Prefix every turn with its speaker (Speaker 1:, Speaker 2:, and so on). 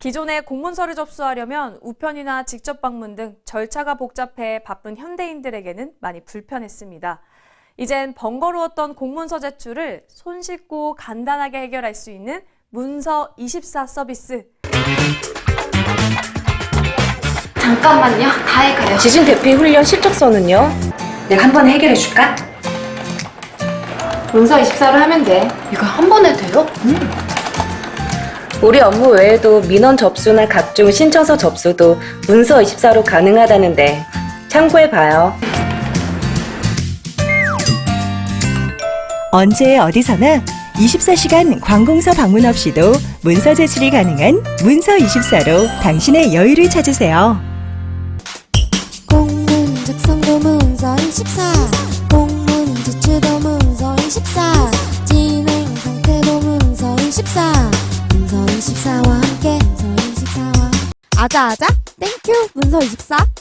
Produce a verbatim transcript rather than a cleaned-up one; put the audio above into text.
Speaker 1: 기존에 공문서를 접수하려면 우편이나 직접 방문 등 절차가 복잡해 바쁜 현대인들에게는 많이 불편했습니다. 이젠 번거로웠던 공문서 제출을 손쉽고 간단하게 해결할 수 있는 문서 이십사 서비스.
Speaker 2: 잠깐만요. 다 해가요.
Speaker 3: 지진 대피 훈련 실적서는요?
Speaker 2: 내가 한 번에 해결해 줄까? 문서 이십사로 하면 돼. 이거 한 번에 돼요? 응.
Speaker 3: 우리 업무 외에도 민원 접수나 각종 신청서 접수도 문서 이십사로 가능하다는데 참고해봐요.
Speaker 4: 언제 어디서나 이십사 시간 관공서 방문 없이도 문서 제출이 가능한 문서 이십사로 당신의 여유를 찾으세요.
Speaker 5: 공문 작성도 문서 이십사, 공문 제출도 문서 이십사, 진행 상태도 문서 이십사, 문서 이십사와 함께 문서 이십사와 아자아자 땡큐 문서 이십사.